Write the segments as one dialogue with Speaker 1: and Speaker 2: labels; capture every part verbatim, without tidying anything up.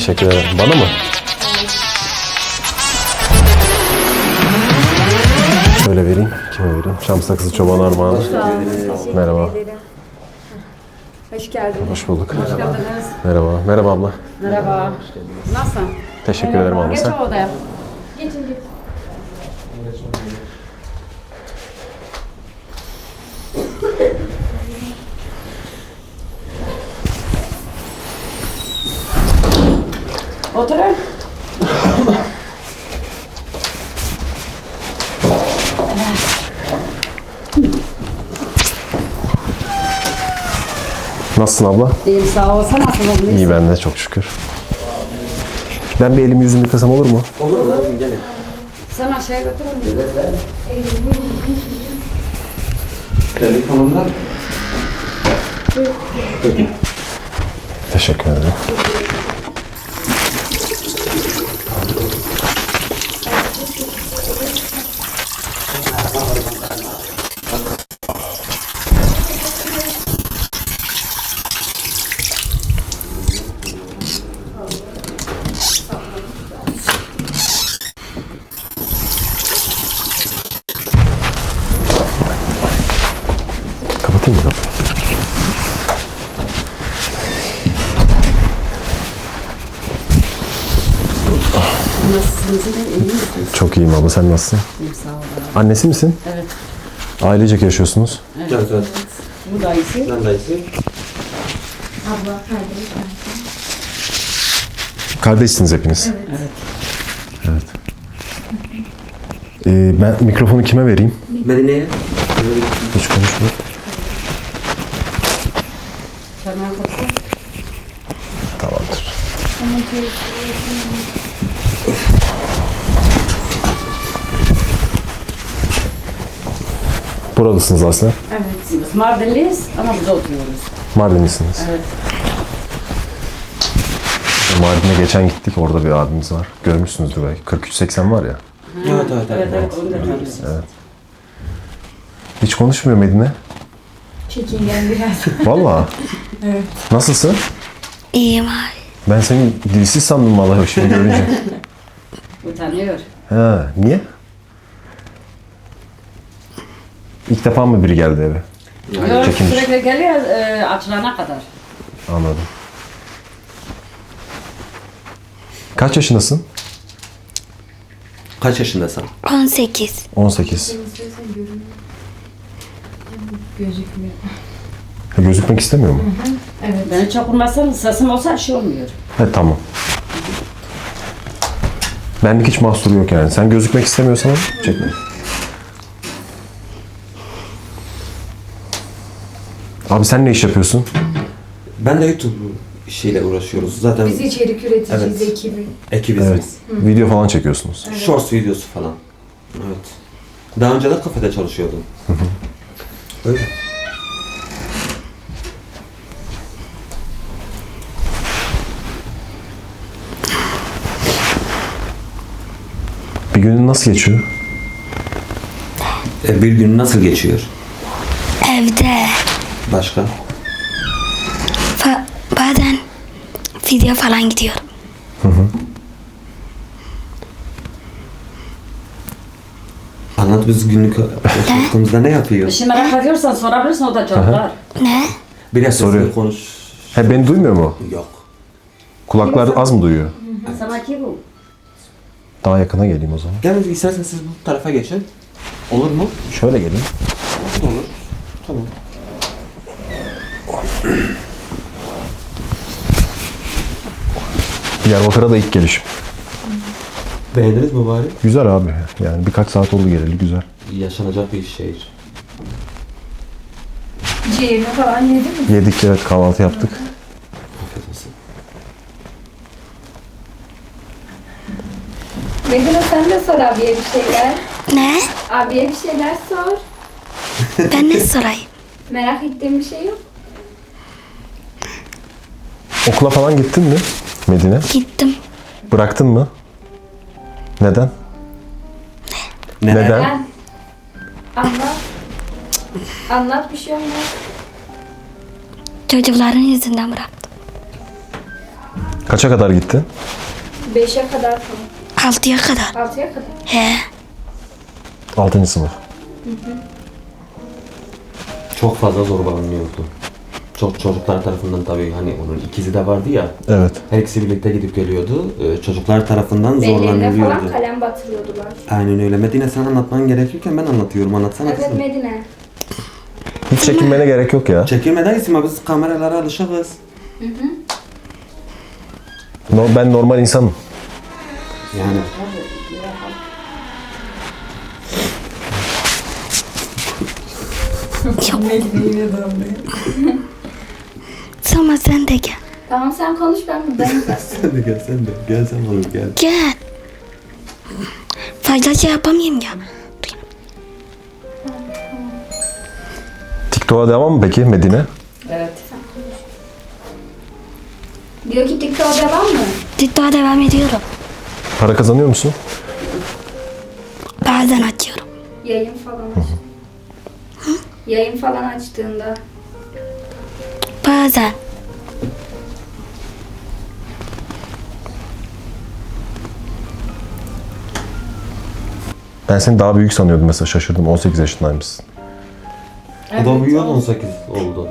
Speaker 1: Teşekkür ederim. Bana mı? Şöyle vereyim. Kime vereyim? Şam sakızı çoban armağanı. Merhaba.
Speaker 2: Hoş geldin.
Speaker 1: Hoş bulduk.
Speaker 2: Hoş geldiniz.
Speaker 1: Merhaba. Merhaba abla.
Speaker 2: Merhaba. Nasılsın?
Speaker 1: Teşekkür ederim abla.
Speaker 2: Geç
Speaker 1: Sen?
Speaker 2: odaya. Geçin geç. Oturun.
Speaker 1: Nasılsın abla?
Speaker 2: İyiyim sağ ol. Sen nasılsın?
Speaker 1: İyi ben de çok şükür. Ben bir elimi yüzümü yıkasam olur mu?
Speaker 3: Olur olur gelin.
Speaker 2: Sen aşağıya götürün.
Speaker 3: Telefonumdan.
Speaker 1: Teşekkür ederim. Kapatayım mı kapıyı?
Speaker 2: Nasılsınız? İyi misiniz?
Speaker 1: Çok iyiyim abla. Sen nasılsın?
Speaker 2: İyiyim sağ ol.
Speaker 1: Annesi misin?
Speaker 2: Evet.
Speaker 1: Ailecek yaşıyorsunuz.
Speaker 3: Gel gel.
Speaker 2: Bu da iyisi.
Speaker 3: Ben dayısı.
Speaker 2: Abla kardeş.
Speaker 1: Kardeşsiniz hepiniz.
Speaker 2: Evet.
Speaker 1: Evet. Ee, ben mikrofonu kime vereyim?
Speaker 3: Medine'ye.
Speaker 1: Hiç konuşma.
Speaker 2: Tamam.
Speaker 1: Tamamdır. Buralısınız aslında.
Speaker 2: Evet. Biz Mardinliyiz ama burada oturuyoruz.
Speaker 1: Mardinlisiniz.
Speaker 2: Evet.
Speaker 1: Mardin'e geçen gittik. Orada bir abimiz var. Görmüşsünüzdür belki. kırk üç seksen var ya.
Speaker 3: Evet evet
Speaker 2: Evet,
Speaker 3: evet.
Speaker 2: evet, onu da tanıyoruz.
Speaker 1: Evet. Hiç konuşmuyor Medine.
Speaker 2: Çekingen biraz.
Speaker 1: Vallahi.
Speaker 2: Evet.
Speaker 1: Nasılsın?
Speaker 4: İyiyim abi.
Speaker 1: Ben seni dilsiz sandım vallahi şimdi görünce.
Speaker 2: Utanıyor.
Speaker 1: Ha, niye? İlk defa mı biri geldi eve?
Speaker 2: Yok,
Speaker 1: Çekinmiş.
Speaker 2: sürekli geliyor e, açılana kadar.
Speaker 1: Anladım. Kaç yaşındasın?
Speaker 3: Kaç yaşındasın?
Speaker 4: on sekiz.
Speaker 1: on sekiz.
Speaker 2: Gözükmüyor.
Speaker 1: Ha, gözükmek istemiyor mu?
Speaker 2: Evet. Beni çok vurmazsan sesim olsa bir şey olmuyor.
Speaker 1: He tamam. Benlik hiç mahsuru yok yani. Sen gözükmek istemiyorsan çekme. Abi sen ne iş yapıyorsun?
Speaker 3: Ben de YouTube işiyle uğraşıyoruz. Zaten
Speaker 5: Biz içerik üreticisiyiz
Speaker 3: Evet.
Speaker 5: ekibi.
Speaker 3: ekibiz
Speaker 1: Evet.
Speaker 3: biz.
Speaker 1: Video falan çekiyorsunuz.
Speaker 3: Shorts videosu falan. Evet. Daha önce de kafede çalışıyordum. Öyle.
Speaker 1: Bir günün nasıl geçiyor?
Speaker 3: E, bir gün nasıl geçiyor?
Speaker 4: Evde.
Speaker 3: Başka?
Speaker 4: Fa- bazen video falan gidiyorum.
Speaker 3: Anlat biz günlük yaşantımızda ne yapıyor?
Speaker 2: Bir şey merak ediyorsan sorabilirsin, o da cevaplar.
Speaker 4: Ne?
Speaker 3: Biraz
Speaker 1: Soruyor.
Speaker 3: sesli konuş.
Speaker 1: He beni duymuyor mu?
Speaker 3: Yok.
Speaker 1: Kulaklar az mı duyuyor?
Speaker 2: Sana ki bu.
Speaker 1: Daha yakına geleyim o zaman.
Speaker 3: Gelin istersen siz bu tarafa geçin. Olur mu?
Speaker 1: Şöyle geleyim.
Speaker 3: Olur. Tamam.
Speaker 1: Diyarbakır'a da ilk gelişim.
Speaker 3: Beğendiniz mi bari?
Speaker 1: Güzel abi. Yani birkaç saat oldu geleli güzel.
Speaker 3: Yaşanacak bir şehir.
Speaker 5: Ciğerini falan yedin mi?
Speaker 1: Yedik evet kahvaltı yaptık.
Speaker 3: Afiyet olsun.
Speaker 5: Medine sen de sor abiye bir şeyler.
Speaker 4: Ne?
Speaker 5: Abiye bir şeyler sor.
Speaker 4: Ben ne sorayım?
Speaker 5: Merak ettiğin bir şey yok.
Speaker 1: Okula falan gittin mi Medine?
Speaker 4: Gittim.
Speaker 1: Bıraktın mı? Neden?
Speaker 3: Ne?
Speaker 1: Neden?
Speaker 5: Ben anlat. Anlat bir şey olmaz.
Speaker 4: Çocukların yüzünden bıraktım.
Speaker 1: Kaça kadar gittin?
Speaker 5: Beşe kadar falan.
Speaker 4: Altıya kadar.
Speaker 5: Altıya kadar.
Speaker 4: He.
Speaker 1: Altıncı sınıf.
Speaker 3: Çok fazla zorbalanıyordu. Çok çocuklar tarafından tabii hani onun ikizi de vardı ya.
Speaker 1: Evet.
Speaker 3: Her ikisi birlikte gidip geliyordu. Ee, çocuklar tarafından
Speaker 5: Bellerine
Speaker 3: zorlanılıyordu.
Speaker 5: falan kalem batırıyordular.
Speaker 3: Aynen öyle. Medine sen anlatman gerekirken ben anlatıyorum. Anlatsana
Speaker 5: Evet
Speaker 3: kızım.
Speaker 5: Medine.
Speaker 1: Hiç çekinmene gerek yok ya.
Speaker 3: Çekilmeden isim biz kameralara alışığız.
Speaker 1: No, ben normal insanım.
Speaker 3: Yani
Speaker 4: Sonra sen de gel.
Speaker 5: Tamam sen konuş ben buradayım zaten.
Speaker 3: sen de gel sen de. Gel sen olur gel.
Speaker 4: Gel. Fazla şey yapamayayım ya.
Speaker 1: TikTok'a devam mı peki Medine?
Speaker 2: Evet.
Speaker 5: Diyor ki TikTok'a devam mı?
Speaker 4: TikTok'a devam ediyorum.
Speaker 1: Para kazanıyor musun?
Speaker 4: Bazen açıyorum.
Speaker 5: Yayın falan aç. Yayın falan açtığında.
Speaker 4: Bazen.
Speaker 1: Ben seni daha büyük sanıyordum mesela, şaşırdım. on sekiz yaşındaymışsın.
Speaker 3: O da büyüyor on sekiz oldu.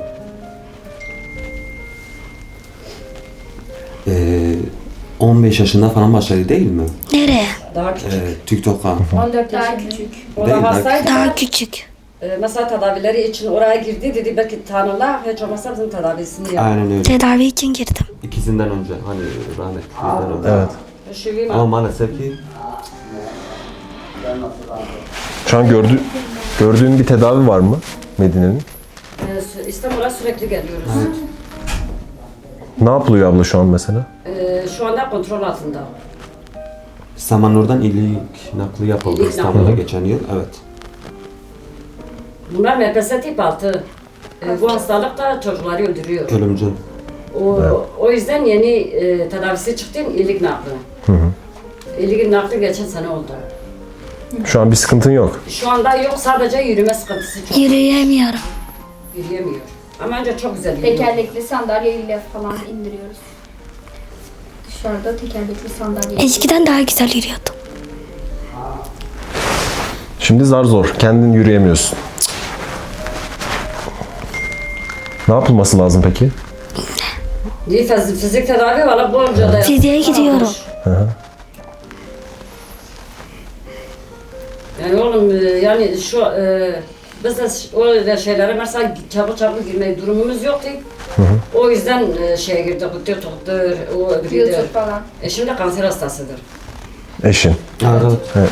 Speaker 3: Ee, on beş yaşında falan başladı değil mi?
Speaker 4: Nereye?
Speaker 2: Daha küçük.
Speaker 3: Ee, TikTok'a.
Speaker 2: on dört
Speaker 5: Daha
Speaker 2: yaşında.
Speaker 5: küçük.
Speaker 2: O
Speaker 3: Değil,
Speaker 2: da
Speaker 3: daha
Speaker 2: hastaydı.
Speaker 4: Daha küçük.
Speaker 2: Ee, mesela tedavileri için oraya girdi dedi belki tanırlar hiç olmazsa bizim tedavisini yap.
Speaker 3: Aynen öyle.
Speaker 4: Tedavi için girdim.
Speaker 3: İkisinden önce hani rahmetlilerden önce.
Speaker 1: Evet.
Speaker 2: Şivim
Speaker 3: Ama maalesef ki
Speaker 1: Şu an gördü, gördüğün bir tedavi var mı Medine'nin?
Speaker 2: e, İstanbul'a sürekli geliyoruz.
Speaker 1: Ne yapılıyor abla şu an mesela?
Speaker 2: Ee, şu anda kontrol altında.
Speaker 3: Samanur'dan ilik nakli yapıldı
Speaker 2: İlik
Speaker 3: İstanbul'da
Speaker 2: nakli.
Speaker 3: geçen yıl. Evet.
Speaker 2: Bunlar M P S tip altı. Ee, bu hastalık da çocukları öldürüyor.
Speaker 3: Ölümcül.
Speaker 2: O, o yüzden yeni e, tedavisi çıktı iyilik nakli. İyilik nakli geçen sene oldu.
Speaker 1: Şu an bir sıkıntın yok.
Speaker 2: Şu anda yok sadece yürüme sıkıntısı çok.
Speaker 4: Yürüyemiyorum.
Speaker 2: Yürüyemiyor. Ama önce çok güzel yürüyor.
Speaker 5: Tekerlekli sandalyeyle falan indiriyoruz. Dışarıda tekerlekli sandalye.
Speaker 4: Eskiden daha güzel yürüyordum.
Speaker 1: Şimdi zar zor. Kendin yürüyemiyorsun. Ne yapılması lazım peki?
Speaker 2: İyi fizik, fizik tedavi valla bolca da
Speaker 4: Fiziğe gidiyorum.
Speaker 2: Yani oğlum e, yani şu e, biz de öyle şeylere mesela çabuk çabuk girmeyi durumumuz yoktu. O yüzden e, şeye girdik, TikTok'tur, o
Speaker 5: YouTube
Speaker 2: öbürüdür.
Speaker 5: falan.
Speaker 2: E şimdi kanser hastasıdır.
Speaker 1: Eşin.
Speaker 3: Evet.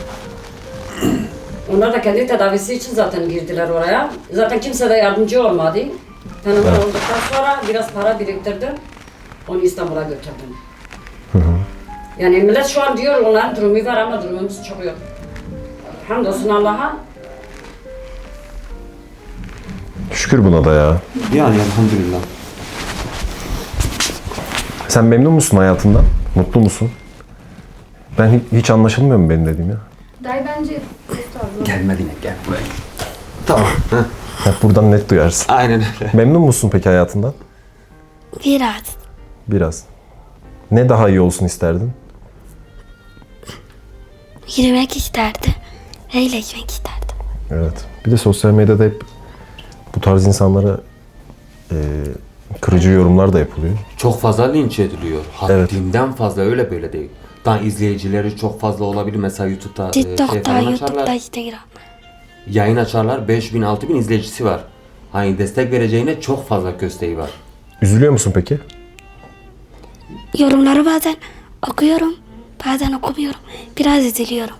Speaker 2: Onlar da kendi tedavisi için zaten girdiler oraya. Zaten kimse de yardımcı olmadı. Tanıma olduktan sonra biraz para biriktirdim. Onu İstanbul'a götürdüm. Yani millet şu an diyor onların durumu var ama durumumuz çok yok. Hamdolsun Allah'a.
Speaker 1: Şükür buna da ya.
Speaker 3: Yani elhamdülillah.
Speaker 1: Sen memnun musun hayatından? Mutlu musun? Ben hiç, hiç anlaşılmıyor mu benim dediğim ya?
Speaker 5: Dayı bence ustazlı.
Speaker 3: Gel Medine gel buraya. Tamam. Heh.
Speaker 1: Hep buradan net duyarsın.
Speaker 3: Aynen öyle.
Speaker 1: Memnun musun peki hayatından?
Speaker 4: Biraz.
Speaker 1: Biraz. Ne daha iyi olsun isterdin?
Speaker 4: Yürümek isterdim. Eğleşmek isterdim.
Speaker 1: Evet. Bir de sosyal medyada hep bu tarz insanlara e, kırıcı yorumlar da yapılıyor.
Speaker 3: Çok fazla linç ediliyor.
Speaker 1: Evet.
Speaker 3: Haddinden fazla öyle böyle değil. Daha izleyicileri çok fazla olabilir. Mesela YouTube'da e, şey
Speaker 4: TikTok'ta,
Speaker 3: falan
Speaker 4: YouTube'da,
Speaker 3: açarlar.
Speaker 4: Instagram.
Speaker 3: Yayın açarlar. beş bin altı bin izleyicisi var. Hani destek vereceğine çok fazla kösteği var.
Speaker 1: Üzülüyor musun peki?
Speaker 4: Yorumları bazen okuyorum. Bazen okumuyorum. Biraz üzülüyorum.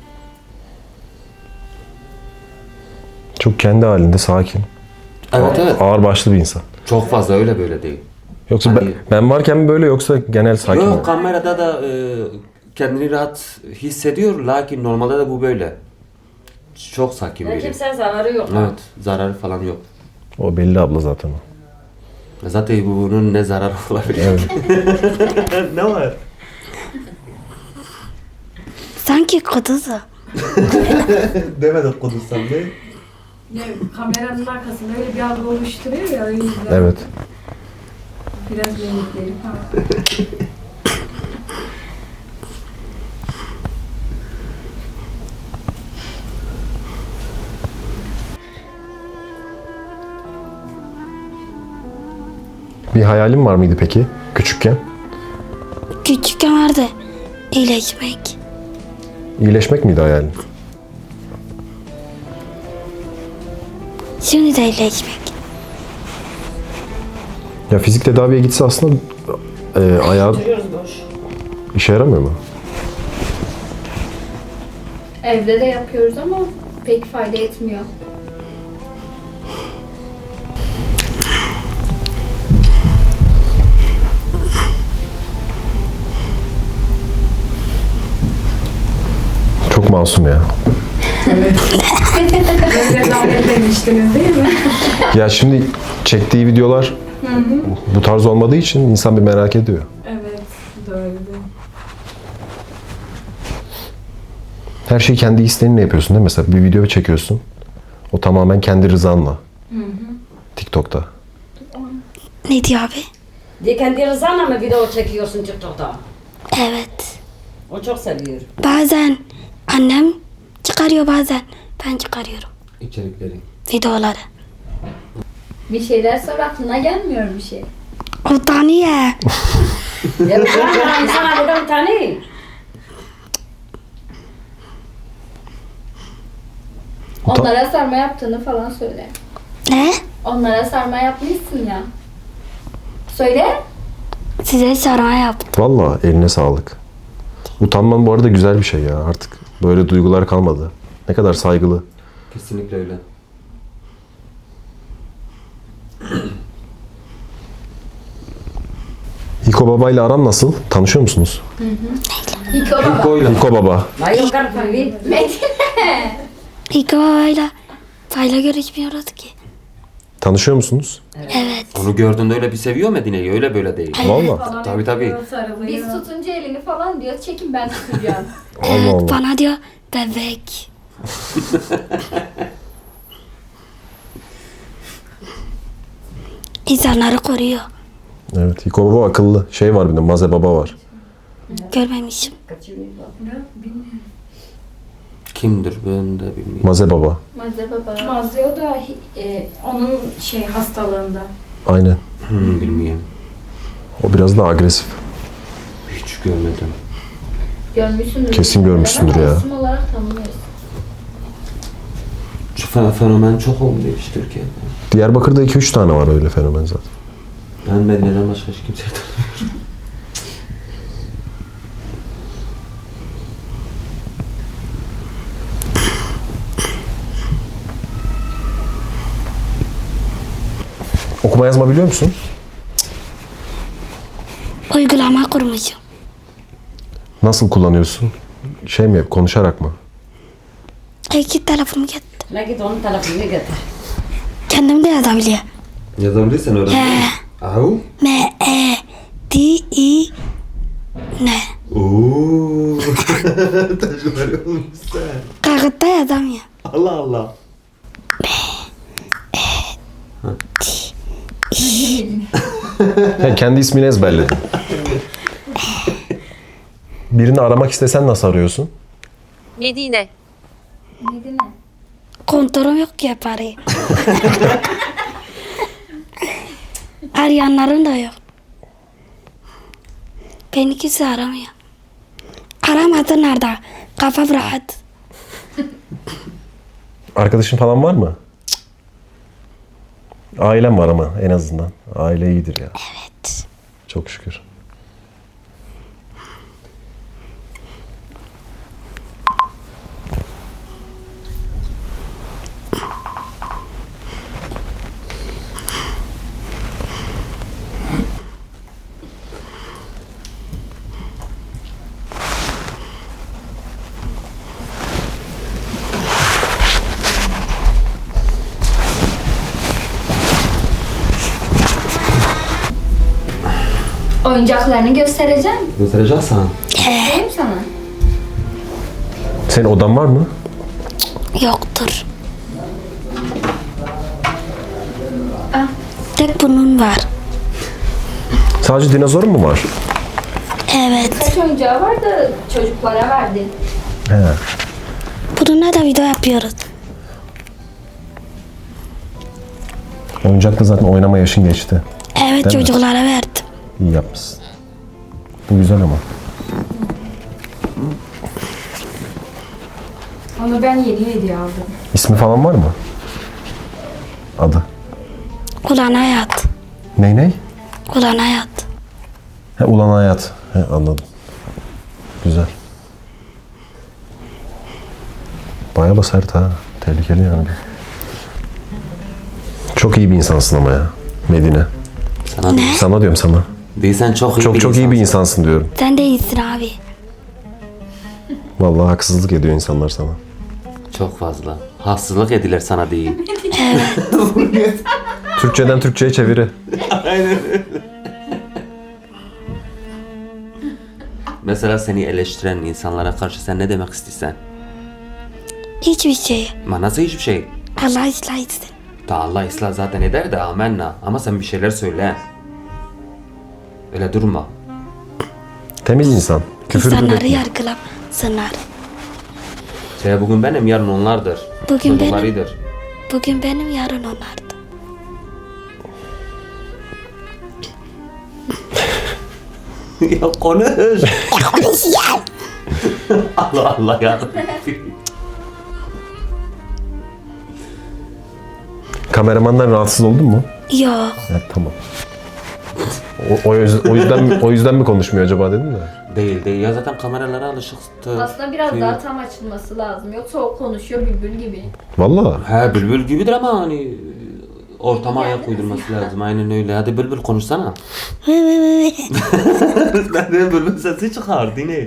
Speaker 1: Çok kendi halinde sakin.
Speaker 3: Evet evet.
Speaker 1: Ağırbaşlı bir insan.
Speaker 3: Çok fazla öyle böyle değil.
Speaker 1: Yoksa ben,
Speaker 3: Hani-
Speaker 1: ben varken mi böyle yoksa genel sakin mi?
Speaker 3: Yok kamerada da e, kendini rahat hissediyor. Lakin normalde de bu böyle. Çok sakin
Speaker 2: Yani
Speaker 3: biri.
Speaker 2: kimseye zararı yok.
Speaker 3: Evet. Zararı falan yok.
Speaker 1: O belli abla zaten o.
Speaker 3: Zaten bunun ne zararı olabilir? Ne var?
Speaker 4: Sanki kudusu.
Speaker 3: Demedim konuşsam ne?
Speaker 6: Ne, kameranın arkasında öyle bir algı oluşturuyor ya o yüzden.
Speaker 1: Evet.
Speaker 5: Biraz yemekleri falan.
Speaker 1: Bir hayalin var mıydı peki küçükken?
Speaker 4: Küçükken vardı iyileşmek.
Speaker 1: İyileşmek miydi hayalin?
Speaker 4: Şimdi de iyileşmek.
Speaker 1: Ya fizik tedaviye gitse aslında e, ayağı
Speaker 2: Duruyoruz boş.
Speaker 1: işe yaramıyor mu?
Speaker 5: Evde de yapıyoruz ama pek fayda etmiyor.
Speaker 1: Çok masum ya.
Speaker 5: Öyle lanet demiştiniz değil mi?
Speaker 1: Ya şimdi çektiği videolar bu tarz olmadığı için insan bir merak ediyor.
Speaker 5: Evet, doğru.
Speaker 1: Her şeyi kendi isteğinle yapıyorsun değil mi? Mesela bir video çekiyorsun. O tamamen kendi rızanla. TikTok'ta.
Speaker 4: Ne diyor abi?
Speaker 2: Diye kendi rızanla mı video çekiyorsun TikTok'ta?
Speaker 4: Evet.
Speaker 2: O çok seviyor.
Speaker 4: Bazen annem çıkarıyor, bazen ben çıkarıyorum
Speaker 3: İçerikleri.
Speaker 4: videoları.
Speaker 5: Bir şeyler sonra aklına gelmiyor bir şey.
Speaker 4: Utanıyor.
Speaker 2: Ya bir tane insana buradan bir tane.
Speaker 5: Onlara sarma yaptığını falan söyle.
Speaker 4: Ne?
Speaker 5: Onlara sarma yapmışsın ya. Söyle.
Speaker 4: Size sarma yaptım.
Speaker 1: Vallahi eline sağlık. Utanman bu arada güzel bir şey ya. Artık böyle duygular kalmadı. Ne kadar saygılı.
Speaker 3: Kesinlikle öyle.
Speaker 1: Hiko Baba ile aran nasıl? Tanışıyor musunuz?
Speaker 5: Hiko baba.
Speaker 3: Hiko'yla.
Speaker 1: Hiko Baba.
Speaker 2: Vay o kadar tabii.
Speaker 4: İlk babayla payla görüşmüyoruz ki.
Speaker 1: Tanışıyor musunuz?
Speaker 4: Evet.
Speaker 3: Onu gördüğünde öyle bir seviyor Medine'yi. Öyle böyle değil.
Speaker 1: Vallahi.
Speaker 3: Tabii tabii.
Speaker 5: Biz tutunca elini falan diyor. Çekin ben tutacağım.
Speaker 1: Allah
Speaker 4: Evet,
Speaker 1: Allah.
Speaker 4: bana diyor bebek. İnsanları koruyor.
Speaker 1: Evet. Hiko Baba akıllı. Şey var bir de Maze Baba var.
Speaker 4: Görmemişim.
Speaker 3: Kimdir ben de bilmiyorum.
Speaker 1: Maze Baba.
Speaker 5: Maze baba.
Speaker 6: Mazlıyor da e, onun şey hastalığında.
Speaker 1: Aynen.
Speaker 3: Hmm, bilmiyorum.
Speaker 1: O biraz daha agresif.
Speaker 3: Hiç görmedim.
Speaker 5: Görmüşsündür.
Speaker 1: Kesin görmüşsündür
Speaker 5: Ama
Speaker 1: ya.
Speaker 5: İsim olarak tanımıyoruz.
Speaker 3: Şu fen- fenomen çok oldu işte Türkiye'de.
Speaker 1: Diyarbakır'da iki üç tane var öyle fenomen zaten.
Speaker 3: Ben Medine'den başka hiç kimseyi tanımıyorum.
Speaker 1: Okuma yazma biliyor musun?
Speaker 4: Uygulama kurmuşum.
Speaker 1: Nasıl kullanıyorsun? Şey mi yap, konuşarak mı?
Speaker 4: İki telefonumu getir.
Speaker 2: Ne git onun telefonunu getir.
Speaker 4: Kendim de yazabiliyor.
Speaker 3: Yazabilirsen öğren.
Speaker 4: He.
Speaker 3: Au.
Speaker 4: M E D I N.
Speaker 3: Ooo. Tecrübeli olmuşsun.
Speaker 4: Kağıtta yazamıyor.
Speaker 3: Allah Allah.
Speaker 1: He, kendi ismini ezberledin. Birini aramak istesen nasıl arıyorsun?
Speaker 7: Medine.
Speaker 5: Neydi ne?
Speaker 4: Kontrolüm yok ki parayı. Arayanların da yok. Beni kimse aramıyor. Aramadı nerede? Kafam rahat.
Speaker 1: Arkadaşın falan var mı? Ailem var ama en azından. Aile iyidir ya.
Speaker 4: Evet.
Speaker 1: Çok şükür.
Speaker 5: Oyuncaklarını göstereceğim.
Speaker 3: Göstereceksin.
Speaker 5: Göstereyim sana.
Speaker 1: Senin odan var mı?
Speaker 4: Yoktur.
Speaker 5: Ah.
Speaker 4: Tek bunun var.
Speaker 1: Sadece dinozor mu var?
Speaker 4: Evet.
Speaker 5: Kaç oyuncağı var da çocuklara verdin.
Speaker 1: He.
Speaker 4: Bununla da video yapıyoruz.
Speaker 1: Oyuncakla zaten oynama yaşın geçti.
Speaker 4: Evet,
Speaker 1: Değil mi?
Speaker 4: çocuklara verdim.
Speaker 1: İyi yapmışsın. Bu güzel ama.
Speaker 6: Onu ben yeni hediye aldım.
Speaker 1: İsmi falan var mı? Adı.
Speaker 4: Ulan hayat.
Speaker 1: Ney ney?
Speaker 4: Ulan hayat.
Speaker 1: He, Ulan Hayat. He, anladım. Güzel. Bayağı da sert ha. Tehlikeli yani. Çok iyi bir insansın ama ya. Medine.
Speaker 3: Sana değil.
Speaker 1: Sana diyorum sana.
Speaker 3: Değil, sen çok iyi
Speaker 1: Çok
Speaker 3: bir
Speaker 1: çok iyi bir
Speaker 3: insansın.
Speaker 1: insansın diyorum.
Speaker 4: Sen de iyisin abi.
Speaker 1: Vallahi haksızlık ediyor insanlar sana.
Speaker 3: Çok fazla. Haksızlık edilir sana değil.
Speaker 1: Türkçeden Türkçe'ye çeviri.
Speaker 3: Mesela seni eleştiren insanlara karşı sen ne demek istiyorsan?
Speaker 4: Hiçbir şey.
Speaker 3: Ama nasıl hiçbir şey?
Speaker 4: Allah ıslah etsin.
Speaker 3: Ta Allah ıslah zaten eder de amenna. Ama sen bir şeyler söyle. Öyle durma.
Speaker 1: Temiz insan. Küfür
Speaker 4: İnsanları
Speaker 1: bile.
Speaker 4: yargılamasınlar.
Speaker 3: Şey bugün benim, yarın onlardır.
Speaker 4: Bugün benim.
Speaker 3: Çocuklarıdır.
Speaker 4: Bugün benim, yarın onlardı.
Speaker 3: Ya konuş. Allah Allah ya.
Speaker 1: Kameramandan rahatsız oldun mu?
Speaker 4: Yok.
Speaker 1: Evet, tamam. O, o, yüz- o yüzden mi, o yüzden mi konuşmuyor acaba dedim de.
Speaker 3: Değil değil ya, zaten kameralara alışıktı.
Speaker 5: Aslında biraz
Speaker 3: Şey-
Speaker 5: daha tam açılması lazım. Yoksa o konuşuyor bülbül gibi.
Speaker 1: Vallahi.
Speaker 3: He bülbül gibidir ama hani ortama ayak uydurması lazım. Aynen öyle. Hadi bülbül konuşsana. Ben de bülbül sesi çıkardı ne?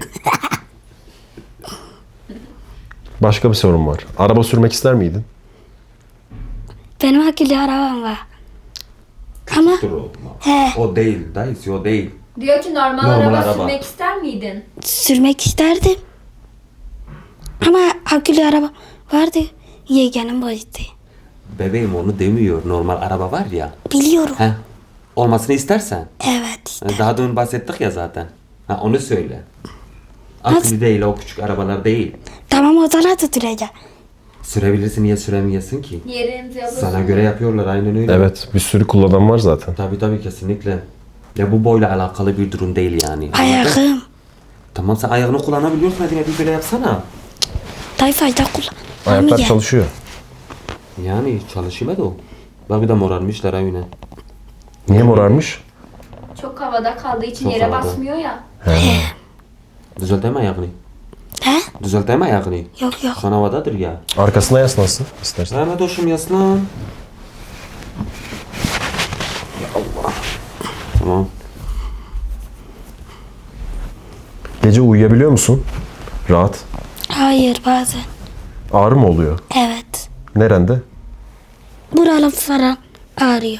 Speaker 1: Başka bir sorun var. Araba sürmek ister miydin?
Speaker 4: Benim akıllı arabam var. Ama
Speaker 3: Dur o.
Speaker 4: he,
Speaker 3: O değil. Dayısı o değil.
Speaker 5: Diyor ki normal,
Speaker 3: Normal
Speaker 5: araba,
Speaker 3: araba.
Speaker 5: sürmek ister miydin?
Speaker 4: sürmek isterdim. Ama akıllı araba vardı. Yeğenim bozdu.
Speaker 3: Bebeğim onu demiyor. Normal araba var ya.
Speaker 4: Biliyorum.
Speaker 3: He. Olmasını istersen.
Speaker 4: Evet işte.
Speaker 3: Daha dün bahsettik ya zaten. Ha onu söyle. Akıllı değil, o küçük arabalar değil.
Speaker 4: Tamam, o zaman tutulacak.
Speaker 3: Sürebilirsin, niye süremiyorsun ki?
Speaker 5: Yerinizi alırsın.
Speaker 3: Sana göre yapıyorlar aynen öyle.
Speaker 1: Evet. Bir sürü kullanan var zaten.
Speaker 3: Tabii tabii kesinlikle. Ya bu boyla alakalı bir durum değil yani.
Speaker 4: Ayağım.
Speaker 3: Tamam sen ayağını kullanabiliyorsun, hadi bir böyle yapsana.
Speaker 4: Daha fazla kullan.
Speaker 1: Ayaklar
Speaker 4: Olmayacak.
Speaker 1: çalışıyor.
Speaker 3: Yani çalışıyor da o. Bak bir de morarmışlar aynen.
Speaker 1: Niye morarmış?
Speaker 5: Çok havada kaldığı için
Speaker 3: Çok
Speaker 5: yere
Speaker 3: havada.
Speaker 5: basmıyor ya.
Speaker 3: Düzelteme ayağını.
Speaker 4: He?
Speaker 3: Düzelteme ayağını.
Speaker 4: Yok yok.
Speaker 3: Şu an havadadır ya.
Speaker 1: Arkasına yaslansın istersen.
Speaker 3: Ahmet hoşum yaslan. Ya Allah. Tamam.
Speaker 1: Gece uyuyabiliyor musun? Rahat.
Speaker 4: Hayır, bazen.
Speaker 1: Ağrı mı oluyor?
Speaker 4: Evet.
Speaker 1: Nerende?
Speaker 4: Buralar falan ağrıyor.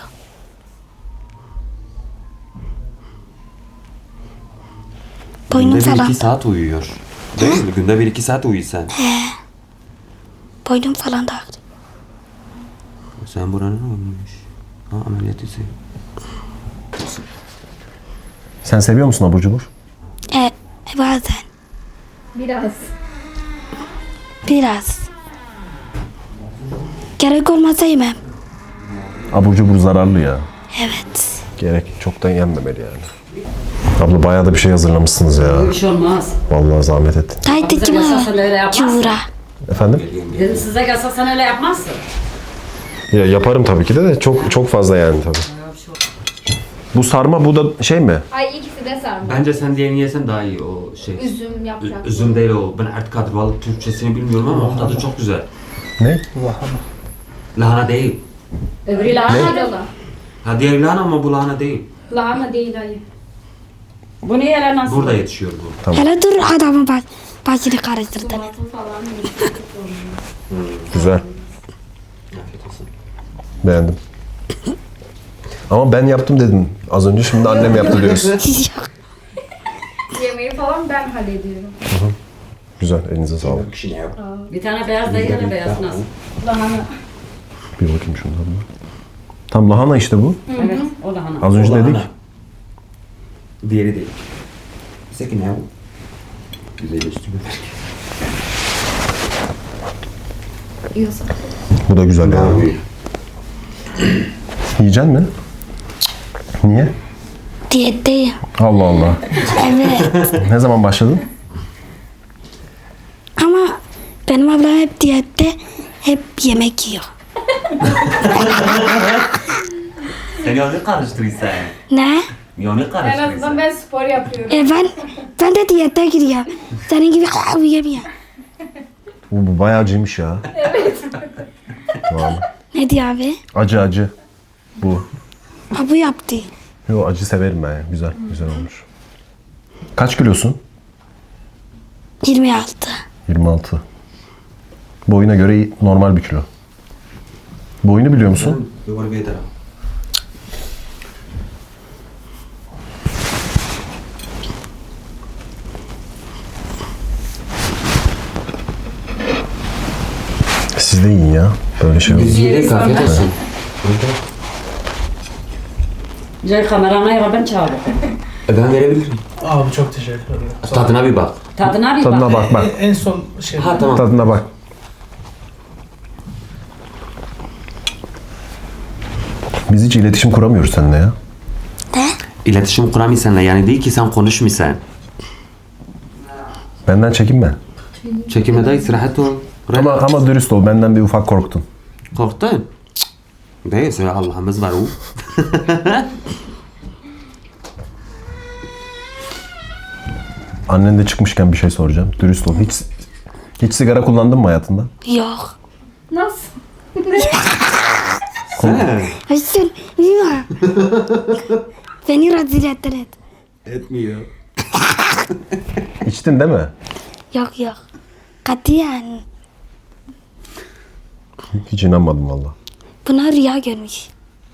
Speaker 4: Boynum
Speaker 3: Günde bir
Speaker 4: falan.
Speaker 3: iki saat uyuyor. Değil mi? Günde bir iki saat uyu sen.
Speaker 4: Boynum falan da ağrıyor.
Speaker 3: Sen buranın ne olmuş? Ha ameliyat ise.
Speaker 1: Sen seviyor musun abur cubur?
Speaker 4: Evet, bazen.
Speaker 5: Biraz.
Speaker 4: Biraz. Gerek olmasa yemem.
Speaker 1: Abur cubur zararlı ya.
Speaker 4: Evet.
Speaker 1: Gerek çoktan yenmemeli yani. Abla bayağı da bir şey hazırlamışsınız ya.
Speaker 2: Böyle bir şey olmaz.
Speaker 1: Vallahi zahmet ettin.
Speaker 4: Haydi
Speaker 2: Bize
Speaker 4: kime?
Speaker 2: gelse sen öyle yapmazsın.
Speaker 4: Çuvura.
Speaker 1: Efendim?
Speaker 2: Dedim size gelse sen öyle yapmazsın.
Speaker 1: Ya yaparım tabii ki de de çok çok fazla yani tabii. Bu sarma bu da şey mi?
Speaker 5: Ay ikisi de sarma.
Speaker 3: Bence sen diğerini yesen daha iyi o şey.
Speaker 5: Üzüm yaprak.
Speaker 3: Ü- Üzüm değil o. Ben artık kadrovalı Türkçesini bilmiyorum ama tadı çok güzel.
Speaker 1: Ne?
Speaker 3: Lahana değil.
Speaker 2: Öbürü lahana.
Speaker 5: Yola.
Speaker 3: Ha diğer lahana ama bu lahana değil.
Speaker 5: Lahana değil ayı.
Speaker 2: Bu niye öyle nasıl?
Speaker 3: Burada yetişiyor bu.
Speaker 4: Hele dur, adamın baş, başını karıştırdın.
Speaker 5: Tomatı falan değil.
Speaker 1: Güzel.
Speaker 3: Afiyet olsun.
Speaker 1: Beğendim. Ama ben yaptım dedin. Az önce şimdi annem yaptı diyorsun.
Speaker 4: Yok.
Speaker 5: Yemeği falan ben hallediyorum.
Speaker 1: Güzel. Elinize sağlık.
Speaker 2: Bir tane beyaz da yine beyaz nasıl?
Speaker 5: Lahana.
Speaker 1: Bir bakayım şundan da. Tam lahana işte bu.
Speaker 2: Evet o lahana.
Speaker 1: Az önce
Speaker 3: O lahana.
Speaker 1: dedik.
Speaker 3: Diğeri değil. Peki ne bu? Güzelleştirme.
Speaker 6: Yiyorsun.
Speaker 1: Bu da güzel ya.
Speaker 3: Abi.
Speaker 1: Yiyecek mi? Niye?
Speaker 4: Diyetteyim.
Speaker 1: Allah Allah.
Speaker 4: Evet.
Speaker 1: Ne zaman başladın?
Speaker 4: Ama benim ablam hep diyette, hep yemek yiyor.
Speaker 3: Sen onu karıştırırsan.
Speaker 4: Ne?
Speaker 3: Onu
Speaker 6: En azından ben spor yapıyorum.
Speaker 4: E ben, ben de diyette giriyorum. Senin gibi yemiyorum.
Speaker 1: Bu, bu bayağı acıymış ya.
Speaker 4: Ne diyor abi?
Speaker 1: Acı acı. Bu.
Speaker 4: Ha bu yaptı.
Speaker 1: Yo acı severim ben ya. Güzel. Güzel olmuş. Kaç kilosun?
Speaker 4: yirmi altı.
Speaker 1: yirmi altı. Boyuna göre iyi- normal bir kilo. Boyunu biliyor musun?
Speaker 3: Yuvarı bir ederim.
Speaker 1: Siz de yiyin ya. Böyle şey olur.
Speaker 3: Yiyerek afiyet olsun.
Speaker 2: Cey kamerana ya ben çağırdım.
Speaker 3: E ben verebilirim.
Speaker 7: Abi çok teşekkür ederim.
Speaker 3: Tadına bir bak.
Speaker 2: Tadına bir
Speaker 1: Tadına
Speaker 2: bak.
Speaker 1: bak bak.
Speaker 7: En son şey.
Speaker 3: Ha tamam.
Speaker 1: Tadına bak. Biz hiç iletişim kuramıyoruz seninle ya.
Speaker 4: Ne?
Speaker 3: İletişim kuramıyorsan yani değil ki sen konuşmuyorsan.
Speaker 1: Benden çekinme.
Speaker 3: Çekimede rahat ol.
Speaker 1: Ama, ama dürüst ol. Benden bir ufak korktun.
Speaker 3: Korktun. Değil, söyle Allah'ımız var o.
Speaker 1: Annen de çıkmışken bir şey soracağım. Dürüst ol. Hiç hiç sigara kullandın mı hayatında?
Speaker 4: Yok.
Speaker 6: Nasıl?
Speaker 3: Sen?
Speaker 4: Hayır. Bilmiyorum. Beni rezil ettiler.
Speaker 3: Etmiyor.
Speaker 1: İçtin değil mi?
Speaker 4: Yok yok. Katiyen.
Speaker 1: Hiç inanmadım valla.
Speaker 4: Buna rüya görmüş.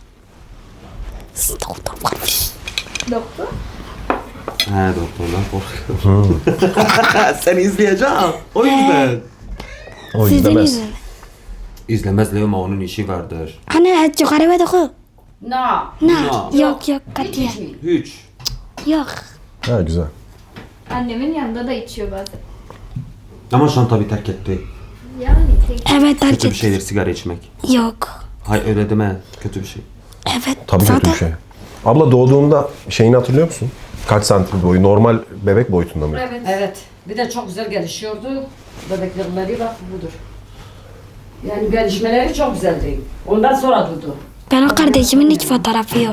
Speaker 4: Doktor varmış.
Speaker 6: Doktor.
Speaker 3: He doktorlar korkuyor. Sen izleyeceğim. O yüzden.
Speaker 1: O
Speaker 4: Sizin
Speaker 1: izlemez.
Speaker 4: yüzünüz.
Speaker 3: İzlemez Leo ama onun işi vardır.
Speaker 4: Anne yukarı ve doku.
Speaker 2: Na.
Speaker 4: Ne?
Speaker 3: No.
Speaker 4: Yok yok katiyen.
Speaker 3: Hiç.
Speaker 4: Yok.
Speaker 1: Ha güzel.
Speaker 6: Annemin yanında da içiyor bazen.
Speaker 3: Ama şu an tabii terk etti.
Speaker 6: Yani tek
Speaker 4: Evet terk
Speaker 3: Kötü bir
Speaker 4: et.
Speaker 3: şeydir sigara içmek.
Speaker 4: Yok.
Speaker 3: Hay öyle deme. Kötü bir şey.
Speaker 4: Evet.
Speaker 1: Tabii
Speaker 4: zaten
Speaker 1: kötü bir şey. Abla doğduğunda şeyini hatırlıyor musun? Kaç santim boyu? Normal bebek boyutunda mı?
Speaker 6: evet.
Speaker 2: Evet. Bir de çok güzel gelişiyordu. Bebekleri bak budur. Yani gelişmeleri çok güzeldi. Ondan sonra durdu.
Speaker 4: ben o kardeşimin hiç fotoğrafı yok.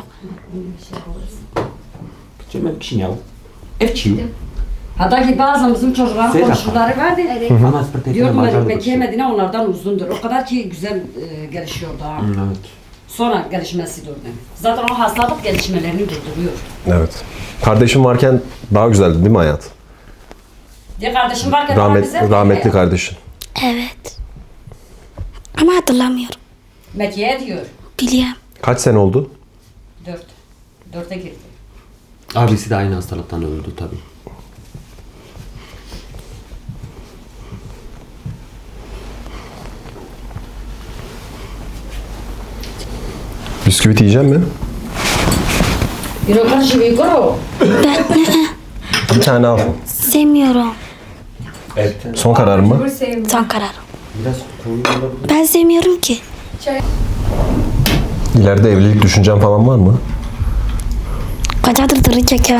Speaker 3: Cemil kişi ya. Evçi.
Speaker 2: Hatta ki bazen bizim çocukların
Speaker 3: Şey
Speaker 2: komşuları vardı.
Speaker 3: Ama spor
Speaker 2: Diyordum ben Mekke Medine onlardan uzundur. O kadar ki güzel e, gelişiyordu ha.
Speaker 3: Evet.
Speaker 2: Sonra gelişmesi durdu. Zaten o hastalık gelişmelerini durduruyor.
Speaker 1: Evet. Kardeşim varken daha güzeldi değil mi hayat?
Speaker 2: Diye kardeşim varken daha
Speaker 1: Rahmet,
Speaker 2: güzel.
Speaker 1: rahmetli kardeşin.
Speaker 4: Evet. Ama hatırlamıyorum.
Speaker 2: Mekke'ye diyor.
Speaker 4: Biliyorum.
Speaker 1: Kaç sene oldu?
Speaker 2: Dört. Dörte girdi.
Speaker 3: Abisi de aynı hastalıktan öldü tabii.
Speaker 1: Bisküvit yiyecek mi?
Speaker 2: Yürü karşı bir kuru.
Speaker 4: Ben
Speaker 1: Bir tane al.
Speaker 4: sevmiyorum.
Speaker 3: Evet.
Speaker 1: Son karar mı?
Speaker 6: Bu sevmiyorum.
Speaker 4: Son karar.
Speaker 3: Biraz koyu olabilir.
Speaker 4: Ben sevmiyorum ki.
Speaker 1: İleride evlilik düşüncen falan var mı?
Speaker 4: Koca dırdırı çekemem.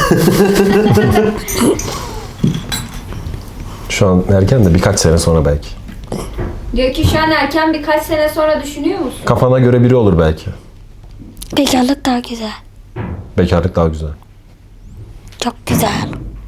Speaker 1: Şu an erken de birkaç sene sonra belki.
Speaker 5: Diyor ki şu an erken, birkaç sene sonra düşünüyor musun?
Speaker 1: Kafana göre biri olur belki.
Speaker 4: Bekarlık daha güzel.
Speaker 1: Bekarlık daha güzel.
Speaker 4: Çok güzel.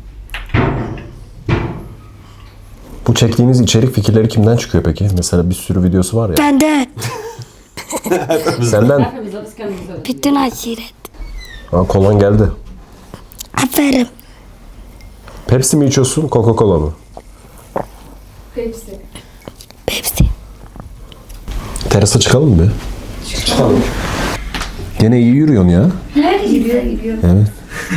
Speaker 1: Bu çektiğiniz içerik fikirleri kimden çıkıyor peki? Mesela bir sürü videosu var ya.
Speaker 4: Benden.
Speaker 1: Senden.
Speaker 2: Hepimize biz kendimize öyle.
Speaker 4: Bütün aşiret.
Speaker 1: Ha, kolan geldi.
Speaker 4: Aferin.
Speaker 1: Pepsi mi içiyorsun, Coca-Cola mı?
Speaker 6: Hepsi.
Speaker 4: Pepsi.
Speaker 1: Terasa çıkalım mı?
Speaker 3: Çıkalım.
Speaker 1: Gene iyi yürüyorsun ya.
Speaker 6: Gidiyor gidiyor.
Speaker 1: Evet.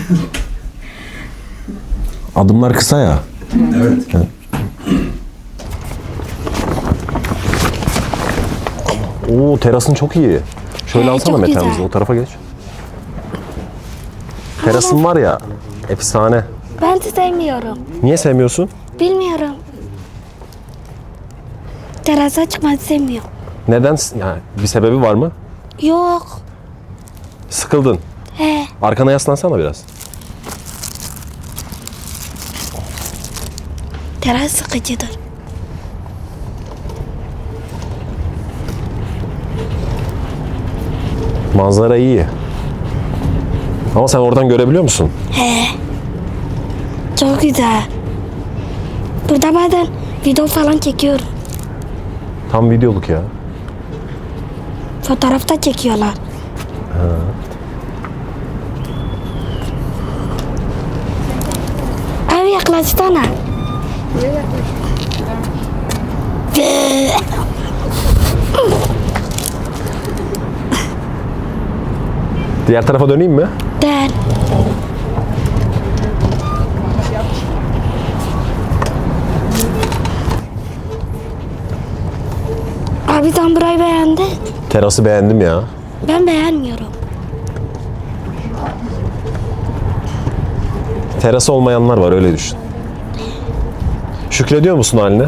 Speaker 1: Adımlar kısa ya.
Speaker 3: Evet.
Speaker 1: Oo terasın çok iyi. Şöyle
Speaker 4: He,
Speaker 1: alsana
Speaker 4: çok
Speaker 1: Mete
Speaker 4: güzel.
Speaker 1: amca, o tarafa geç. Terasın var ya, efsane.
Speaker 4: Ben de sevmiyorum.
Speaker 1: Niye sevmiyorsun?
Speaker 4: Bilmiyorum. Terasa çıkmayı sevmiyorum.
Speaker 1: Neden? Yani bir sebebi var mı?
Speaker 4: Yok.
Speaker 1: Sıkıldın.
Speaker 4: He.
Speaker 1: Arkana yaslansana biraz.
Speaker 4: Teras sıkıcıdır.
Speaker 1: Manzara iyi. Ama sen oradan görebiliyor musun?
Speaker 4: He. Çok güzel. Burada bazen video falan çekiyorum.
Speaker 1: Tam videoluk ya.
Speaker 4: Fotoğrafta çekiyorlar. Abi yaklaşsana.
Speaker 1: Diğer tarafa döneyim mi?
Speaker 4: Dön. Abi sen burayı beğendi.
Speaker 1: Terası beğendim ya.
Speaker 4: Ben beğenmiyorum.
Speaker 1: Terası olmayanlar var, öyle düşün. Şükrediyor musun haline?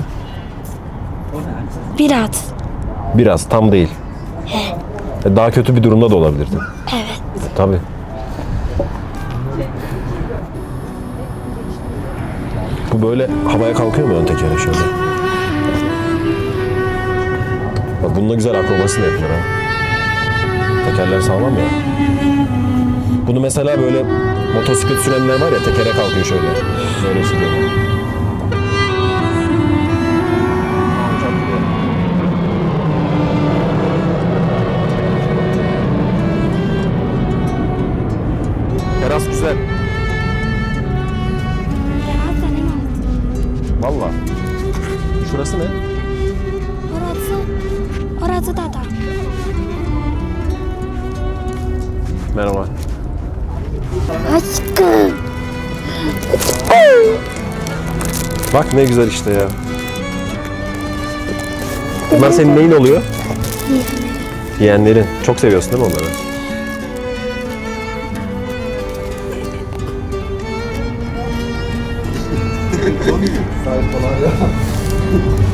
Speaker 4: Biraz.
Speaker 1: Biraz, tam değil. E, Daha kötü bir durumda da olabilirdi.
Speaker 4: Evet.
Speaker 1: Tabii. Bu böyle havaya kalkıyor mu ön tekere şöyle? Bak bununla güzel akrobasi de yapılır ha. Tekerler sağlam ya. Bunu mesela böyle motosiklet sürenler var ya, tekere kalkıyor şöyle. Böyle sürüyor. Teras güzel.
Speaker 4: Teras senin olsun.
Speaker 1: Valla. Şurası ne?
Speaker 4: Orası, orası da da.
Speaker 1: Merhaba.
Speaker 4: Aşkım.
Speaker 1: Bak ne güzel işte ya. Bunlar senin neyin oluyor? Yeğenlerin. Çok seviyorsun değil mi onları?
Speaker 8: Sahip olan ya.